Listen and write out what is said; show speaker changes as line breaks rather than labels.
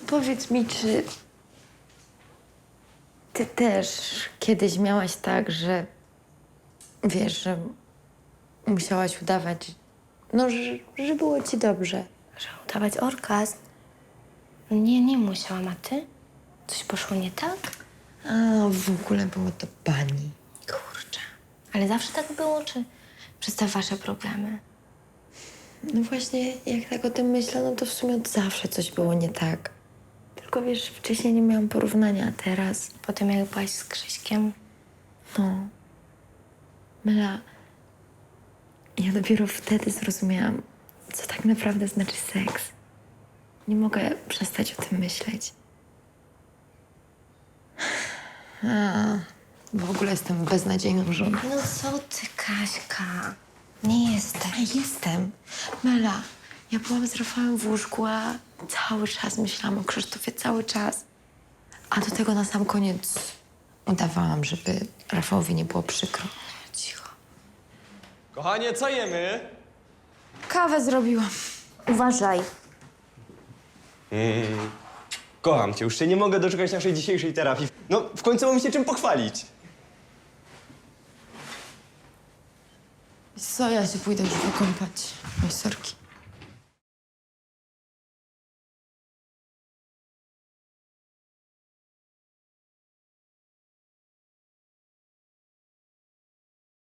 powiedz mi, czy ty też kiedyś miałaś tak, że wiesz, że musiałaś udawać, no, że było ci dobrze.
Że udawać orgazm? Nie, nie musiałam, a ty? Coś poszło nie tak?
A w ogóle było to pani.
Kurczę. Ale zawsze tak było, czy przez te wasze problemy?
No właśnie, jak tak o tym myślę, no to w sumie od zawsze coś było nie tak. Tylko wiesz, wcześniej nie miałam porównania, a teraz...
Potem jak byłaś z Krzyśkiem,
No. Mela, ja dopiero wtedy zrozumiałam, co tak naprawdę znaczy seks. Nie mogę przestać o tym myśleć. W ogóle jestem beznadziejną żoną.
no co ty, Kaśka? Nie jesteś.
A jestem. Mela, ja byłam z Rafałem w łóżku, a cały czas myślałam o Krzysztofie, cały czas. A do tego na sam koniec udawałam, żeby Rafałowi nie było przykro.
Cicho.
Kochanie, co jemy?
Kawę zrobiłam.
Uważaj.
Kocham cię, już się nie mogę doczekać naszej dzisiejszej terapii. No, w końcu mam się czym pochwalić.
Co, ja się pójdę już wykąpać. Oj, sorki.